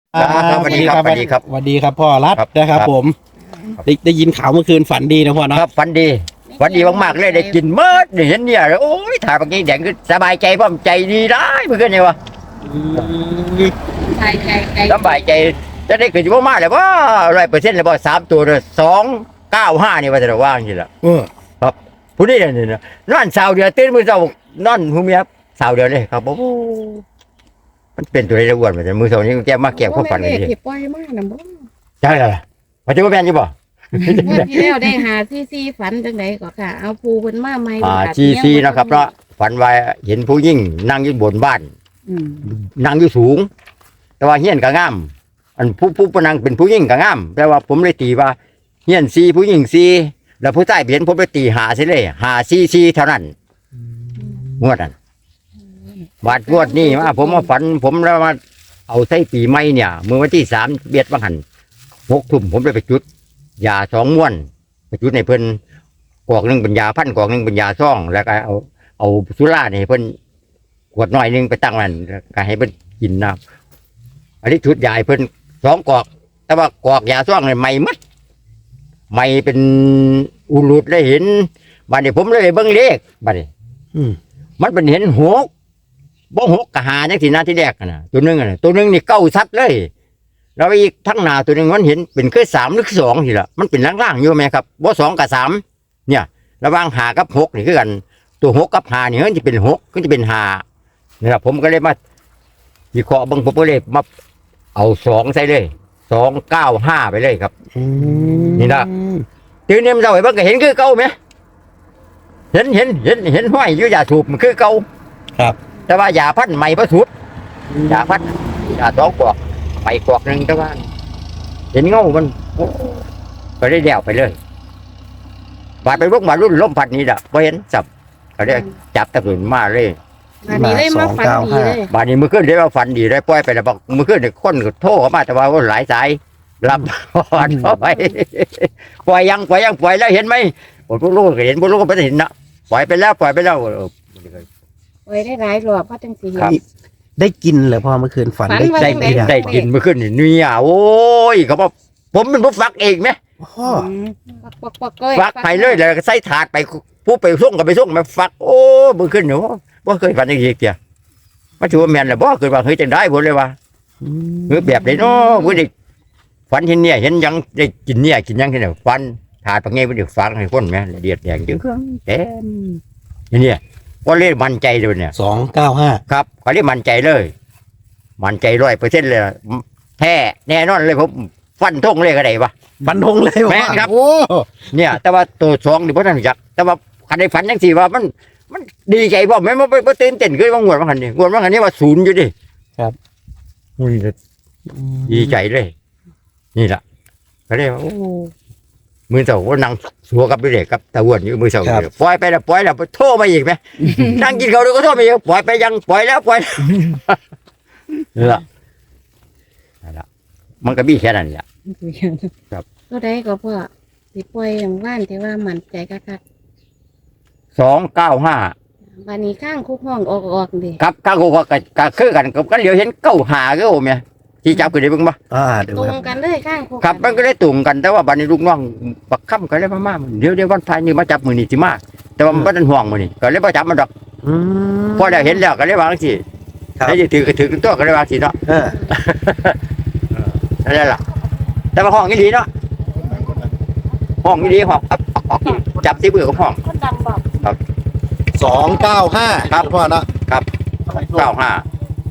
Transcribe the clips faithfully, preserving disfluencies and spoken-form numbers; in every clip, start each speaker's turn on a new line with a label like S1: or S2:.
S1: ครับสวัสดีครับสวัสดีครับ
S2: สวัสดีครับพ่อรัฐ
S1: ครับ
S2: นะครับ
S1: ครับ
S2: ผมได้ได้ยินข่าวเมื่อคืนฝันดีนะพ่อเนาะ
S1: ครับฝันดีฝันดีมากๆเลยได้กินเมิดได้เห็นเนี่ยโอ้ยถ่ายบางทีแดงก็สบายใจพ่อมใจดีได้เมื่อคืนเนี่ยวะ
S3: ใจใจใจ
S1: สบายใจจะได้เกิดอยู่มากเลยว่าร้อยเปอร์เซ็นต์เลยว่าสามตัวเลยสองเก้าห้านี่ว่าจะว่างจริงละ
S2: เออ
S1: ครับผู้นี้เนี่ยนะนอนสาวเดียวตื่นมือเช้านอนหูเมียสาวเดียวเลยครับโอ้โหมันเป็นตัวอะไรอ้วนเหมือนกันมือเช้านี้แกมาแก้ความฝันเลย
S3: เล
S1: ดิ
S3: ขที่ปล่อยมาน่ะบ่
S1: ใช่เลยปัจจุบันเป็นอยู่บ่
S3: เมื่อที่แล้วได้หาซีซีฝันจังไดก็ค่ะ เอาภูเพิ่นมาใหม่
S1: อ่าซีซีนะครับเนาะฝันว่าเห็นผู้ยิ่งนั่งอยู่บนบ้าน
S3: อืม
S1: นั่งอยู่สูง แต่ว่าเฮียนก็งามอันผู้ผู้ผู้นั่งเป็นผู้ยิ่งก็งามแต่ว่าผมเลยตีว่าเฮียนซีผู้ยิ่งซีแล้วผู้ใต้เห็นผมเลยตีหาสิเลยหาซีซีเท่านั้นงวดนั้นบาดงวดนี้มาผมมาฝันผมแล้วมาเอาใส่ปีใหม่เนี่ยเมื่อวันที่สามเบียดบังหันหกทุ่มผมเลยไปจุดยาสองม้วนไปจุดในเพิ่นกอกหนึ่งเป็นยาพันกอกหนึ่งเป็นยาซ่องแล้วก็เอาเอาสุราเนี่ยเพิ่นขวดน้อยหนึงไปตั้งมันก็ให้เพิ่นกินน้ำอันนี้ชุดใหญ่เพิ่นสองกอก แต่ว่ากอกยาซ่องเนี่ยใหม่หมัดใหม่เป็นอุลุดได้เห็นบัดนี้ผมเลยไปเบิ่งเลขบัดนี้
S2: อืม
S1: มันเป็นเห็นหกบ่หกกะหาจังซี่นะที่แรกน่ะตัวหนึงน่ะตัวหนึงนี่เก้าซัดเลยแล้วอีกทั้งหน้าตัวหนึงมันเห็นเป็นคือสามหรือสองทีละมันเป็นล่างๆอยู่ไหมครับบ่สองกับสามเนี่ยระหว่างหากับหกนี่คือกัน ตัวหกกับหานี่มันจะเป็นหกก็จะเป็นหานะครับผมก็เลยมาวิเคราะห์เบิ่งผมก็เลยมาเอาสองใส่เลยสองเก้าห้าไปเลยครับ
S2: อืม
S1: นี่นะ ตื่นเนี่ยมันเจ้าไอ้เบิ่งก็เห็นคือเก่าไหมเห็นเห็นเห็นเห็นห้อยอยู่ยาสูบมันคือเก่า
S2: ครับ
S1: แต่ว่ายาพันธุ์ใหม่ประสุดยาพันธุ์ยาสองกอกไปกอกหนึ่งแต่ว่า เห็นเงามันโอ้ก็ได้เดี่ยวไปเลยบาดไปพวกมารุ่นล้มพัดนี้ละพอเห็นจับก็ได้จับตะกุนมาเลย
S3: อันนี้ได้มาฝันดีเลย
S1: บาดนี้มือขึ้นได้ว่าฝันดีได้ปล่อยไปแล้วบอกมือขึ้นเนี่ยคนก็โทรเข้ามาแต่ว่าหลายสายรับพอดเข้าไปปล่อยยังปล่อยยังปล่อยแล้วเห็นไหมโอ้พวกลูกก็เห็นพวกลูกก็ไม่ได้เห็นนะปล่อยไปแล้วปล่อยไปแล้วเออ
S3: ไว้ได้หลายรอบว่าจังสิเห็
S1: ครั
S3: น
S1: บ
S2: ได้กินเหรอพ่อเมื่อคืนฝัน
S3: ฝัน
S2: ได้
S3: ว่า
S1: ได้
S2: กิน
S3: จัง
S2: ไหม
S3: ใด
S1: ได้กินมือขึ้นนี่เนี่ยโอ้ยเขาบอกผมเป็นผู้ฟักเองไหม
S2: พ่อ
S3: อืมปักปักปักก้อย
S1: ฟักไปเลยแล้วก็ใส่ถาดไปผู้ไปส่งก็ไปส่งมาฟักโอ้มือขึ้นหนูว่าเคยฝันอย่างนี้เกียมาถือว่าแมนเลยบ่เคยว่าเฮ้ยจังได้ผมเลยว่า
S2: อืม
S1: เฮ้ยแบบไหนเนาะผู้เด็กฝันเห็นเนี่ยเห็นยังได้กินเนี่ยกินยังที่ไหนฟันถาดปังเงี้ยผู้เด็กฟังให้คนไหมละเดียดแดงจึงเครื่องเต็มเนี่ยก็เล่นมันใจเลยเนี่ย
S2: สองเก้าห้า
S1: ครับก็เล่นมันใจเลย มันใจร้อยเปอร์เซ็นต์เลยแท้แน่นอนเลยผมฟันทงเลยก็ได้ปะ
S2: ฟันธงเลย
S1: แม่นครับ
S2: โอ้
S1: เนี่ย แต่ว่าตัวสองนี่พ่อท่านรู้จักแต่ว่าคันในฝันยังสี่ว่ามันมันดีใจบ่แม่นบ่บ่ตื่นเต้นคือว่างวดว่าคันนี่งวดว่าคันนี้ว่าศูนย์อยู่ดิอุ้ยดีใจเลย นี่ล่ะก็เลยว่าโอ้มือเสาว่านั่งสัวกับเด็กกับตะวันอยู่มือเสาอยู่ปล่อยไปแล้วปล่อยแล้วโทรมาอีกไหม นั่งกินเขาวเดี๋ยวก็โทรมาอีกปล่อยไปยังปล่อยแล้วปล่อยแล้วนี่ล่ะนั่นล่ะมันก็มีแค่นั้นแหละ ครับ
S3: ก็ได้ก็พ่อสิปล่อยอย่างว่านที่ว่ามั่นใจคัก
S1: สองเก้าห้า
S3: ๆบัดนี้ข้างคุกห้องออกออกดิ
S1: ครับข้างกูก็ก็คือกันกับกันเหลียวเห็นเก้าหาก็โอ้เมียที่จับกันได้เบิ่งบ่
S2: อ่าเดี๋ยว
S3: ตร
S2: ครั
S3: ง
S2: บ
S3: กันเลยข้างคุก
S1: ครับมันก็ได้ตุ่มกันแต่ว่าบัดนี้ลูกน้องปักค่ำก็เลยมามาเดี๋ยวเดี๋ยววันพายนี่มาจับมือนี่สิมาแต่ว่ามันบ่ทันห่วงมือนี่ก็เลยบ่จับมันดอก
S2: อืม
S1: พอได้เห็นแล้วก็เลยวางสิ
S2: ครับ
S1: แล้วจะถือก็ถือตัวก็เลยวางสิเนาะ
S2: เออ
S1: นั่นแหละแต่ว่าห้องอีหลีเนาะห้องอีหลีห้องจับที่มือของห้อง
S3: คนดังบอก
S2: สองเก้าห้าครับพ่อเนาะ
S1: เก้าห้า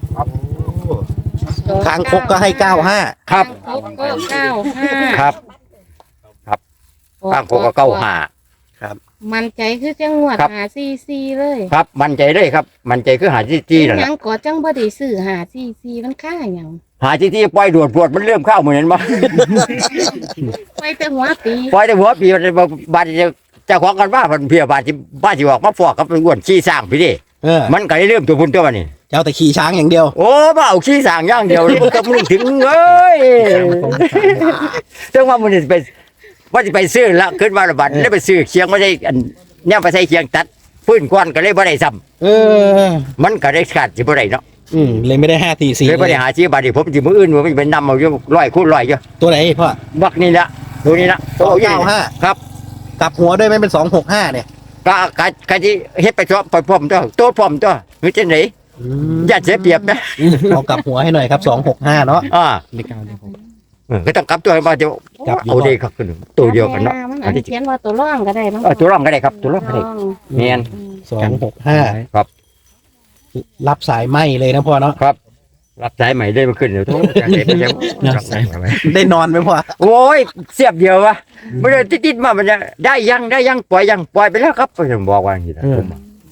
S2: คางคกก็ให้เก้าห้า
S1: ครับ
S3: ข้างคุกก็เก้าห้า
S1: ครับข้างโคก็เก้าห้า
S3: มันใจคือจังหวัด
S1: ครับ
S3: หาซีซีเลย
S1: ครับมั่นใจเลยครับ มั่นใจคือหาจี้จี้นั่นแห
S3: ยั
S1: ละ
S3: งก่อจังบ่ได้ซื้อหาซีซีมันค่าหยัง
S1: หาจี้จี้ปล่อยดวดปวดมันเริ่มเข้าเหมือนบ่
S3: ไปแต่หัวปี
S1: ปล่อยแต่หัวปีมันบาดจะเจ้าของกันว่าเพิ่นเพียบาดที่บ้านสิออกมาฟอกกับเป็นอ้วนขี้สร้างพี่ดิ
S2: เออ
S1: มันก็ได้เริ่มตัวพุ่นตัวมันนี่
S2: เจ้าแต่ขี่ช้างอย่างเดียว
S1: โอ้มาเอาขี้สร้างอย่างเดียวมันก็มึงถึงเอ้ยจังว่ามันสิไปว่าสิไปซื้อละขึ้นมาละบาดแล้วไปซื้อเคียงบ่ได้อันเนี่ยไปใส่เคียงตัดฟื้นก้อนก็เลยบ่ได้ซ้ำ
S2: เออ
S1: มันก็ได้ขาดสิบ่ได้เนาะ
S2: อืมเลยไม่ได้ห้าสี่สี่
S1: เลยบ่ได้หาซื้อบาดนี้ผมสิมื้ออื่นว่ามันเป็นนำเอาอยู่ร้อยคูณร้อยอยู่
S2: ตัวไหนพ่อ
S1: บักนี่ละตัวนี้ละ
S2: สองเก้าห้า
S1: ครับ
S2: กลับหัวด้วยไหมเป็นสองหกห้าเนี่ย
S1: ก็กะกะสิเฮ็ดไปพร้อมไปพร้อมตัวโตพร้อมตัวคือจังได๋
S2: อืม
S1: อย่าเสียเปรียบนะ
S2: เอากลับหัวให้หน่อยครับสองหกห้าเนาะ
S1: อ่า
S2: เลขเก้าเลขหก
S1: เออก็ต้องกลับตัวให้ว่าเดี๋ยว
S2: กลับอยู่
S1: เอาเด้ครับขึ้นตัวเดียวกันเนาะ
S3: มันอาจจะเขียนว่าตัวร่องก็ได้มั้ง
S1: เออตัวรองก็ได้ครับตัวรองก็ได้แม่น
S2: สองหกห้า
S1: ครับ
S2: รับสายไหมเลยนะพ่อเนาะ
S1: ครับ รับสายใหม่ได้มาขึ้นเดี๋ยวโทรจังได๋ไปยังรับสายใหม่
S2: ได้นอนไหมพ่อ
S1: โอ้ยเสียบเดียววะไม่ได้ติดๆมามันจะได้ยังได้ยังปล่อยยังปล่อยไปแล้วครับผมบอกว่าอย่างนี้นะผม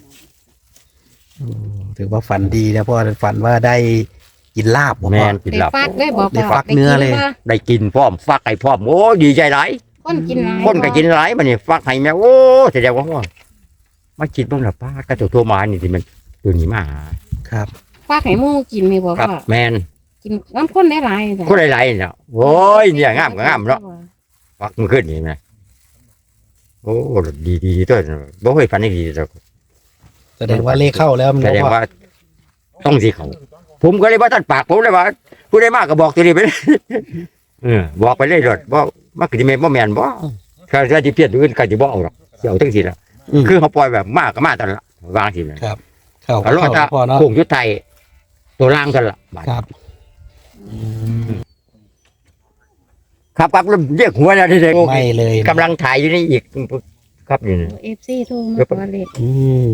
S2: ถือว่าฝันดีนะพ่อฝันว่าได้กินลาบผม
S1: แม่
S2: พ่อน
S1: กิน
S3: ได้
S1: หลับ
S3: ฟักได้บอก
S2: ได้ฟักเนื้อเลย
S1: ได้กินพร้อมฟักไก่พร้อมโอ้ดีใจหลาย
S3: คนกินหลาย
S1: คนก็กินหลายมันนี่ฟักให้แม่โอ้แสดงว่าว่ามากินบ้างหรอป้ากระตัวโทรมานี่ที่มันตัวนี้มาหา
S2: ครับ
S3: ฟักให้หมูกินนี่บอก
S1: ครับ
S3: ว่า
S1: แมน
S3: กินน้ำข้นได้หลายจ้ะ
S1: คนหลายๆเนี่ยโอ้ยเนี่ยงามก็งามเนาะฟักมันขึ้นนี่นะโอ้ดีดีดีตัวบ่เคยฝันได้ดีตัว
S2: แสดงว่าเลขเข้าแล้วมัน
S1: แสดง
S2: พ่อ
S1: ว่าต้องสิเขาผมก็เลยว่าท่านปากผมเลยว่าผู้ใดมากก็บอกตัวนี้ไปเลย เออบอกไปเลยรถบ่มักสิแม่นบ่แม่นบ่ถ้าถ้าสิเพี้ยนอื่นก็สิบ่เอาหรอกสิเอาจังซี่ล่ะ
S2: อืม
S1: คือเขาปล่อยแบบมากก็มาตลอดวางสิแม่น
S2: ครับ เข้า
S1: เอารอดถ้า
S2: พ่อเนาะ
S1: โค้งยุทธไทยตัวล่างกันล่ะบาด
S2: ครับอืม
S1: ครับครับแล้วเรียกหัวแล้วเด็ก
S2: ไม่เลยนะ
S1: กำลังถ่ายอยู่นี่อีกครับนี่นะ
S3: เอฟซีโทรมาขอเลข
S2: อืม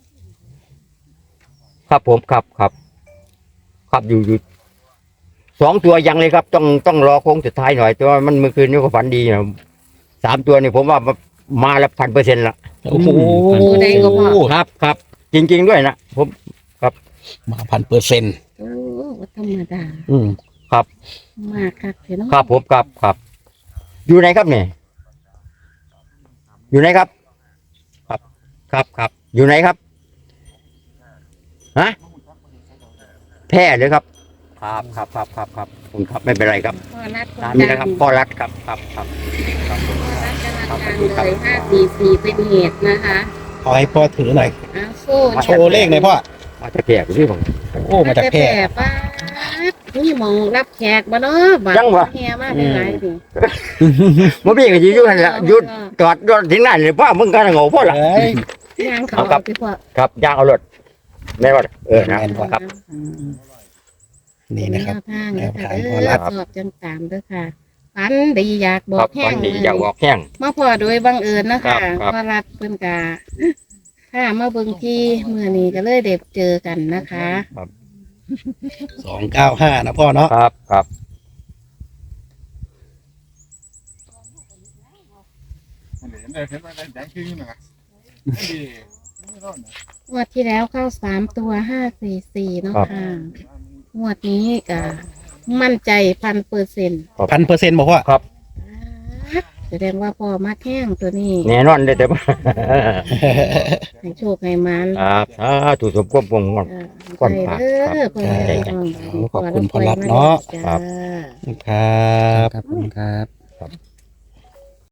S1: ครับผมครับครับ ครับอยู่อยู่สองตัวยังเลยครับ ต้องต้องรอโค้งสุดท้ายหน่อยตัวมันเมื่อคืนนี้ก็ฝันดีนะสามตัวนี่ผมว่ามาละพันเปอร์เซ็นต์ละ
S2: โอ้โห
S3: ตัวใดก็พอ
S1: ครับครับจริง ๆด้วยนะผม
S2: มาพันเปอร์เซ็นต์
S3: โอ้บ่ธรรมดา
S2: อืม
S3: มากคักเถอะเนาะ
S1: ครับผมครับครับ อยู่ไหนครับเนี่ยอยู่ไหนครับ ครับครับครับ อยู่ไหนครับฮะแพร่เลยครับ ครับครับครับครับครับผมครับไม่เป็นไรครับ
S3: พ่อรัดคน
S1: ตาม
S3: ดั
S1: นี้
S3: ง
S1: นะครับพ่อรัฐครับครับครับครับ
S3: พ่อรัดกำลังดังเลยห้าสี่สี่เป็นเหตุนะคะ
S2: เอาให้พ่อถือหน่อย
S3: อ้าวสู้
S2: โชว์เลขหน่อยพ่อ
S1: มาจะแก่ที่ผม
S2: โอ้มาจากแพร่
S3: ป้าดนี่หมองรับแขกบ่เนาะบัด
S1: ยังวะ
S3: แห่มาได้หลายสิ
S1: บ่มีก็สิอยู่นั่นแหละหยุดจอดรถถึงนั่นเลยพ่อมึงก็โง่พ่อละ
S2: เอ้ย
S3: ย่างเขา
S1: เอาครับ
S3: สิพ่อ
S1: ครับย่างเอารถแม่นว่าเออนะ
S2: แม่นบ่
S1: ครับ
S2: นี่นะครับ
S3: แนวทางนะ
S2: แนว
S3: คะ
S2: ทาง
S3: เอ
S2: พ่อ
S3: อ
S2: รัฐ
S3: สอบจังตามเด้อค่ะฝันดีอยากบอ
S1: ครั
S3: ก
S1: บ
S3: แห้
S1: วั
S3: ง
S1: นนี้อยากบอกแห้ง
S3: มาพอโดยบังเอิญนะ
S1: ครั
S3: คะ
S1: บครับ
S3: พ่อรัฐเพิ่นกาถ้ามาเบิ่งที่เมื่อนี้ก็เลยเด็บเจอกันนะคะ
S2: สองเก้าห้านะพ่อเนาะ
S1: ครับครับ
S3: งวดที่แล้วเข้าสามตัวห้าสี่สี่เนาะค่ะงวดนี้ก็มั่นใจพันเปอร์เซ็นต์
S2: พันเปอร์เซ็นต์บอกว่า
S3: แสดงว่าพอมาแข้งตัวนี้
S1: แน่นอนเลยแต่ว่า
S3: ให้โชคให้มัน
S1: ครับอ่าถูกสมควบวงงอน
S3: เออ
S1: ก่อน
S3: ใจ
S1: พัก
S3: เด้อเพื่อน
S1: ครับ
S3: น้อง
S2: ขอบคุณพ่อรัฐเนาะ
S3: จ้
S1: ครับ
S2: ครับ
S4: ครับผมครับ
S1: ครับ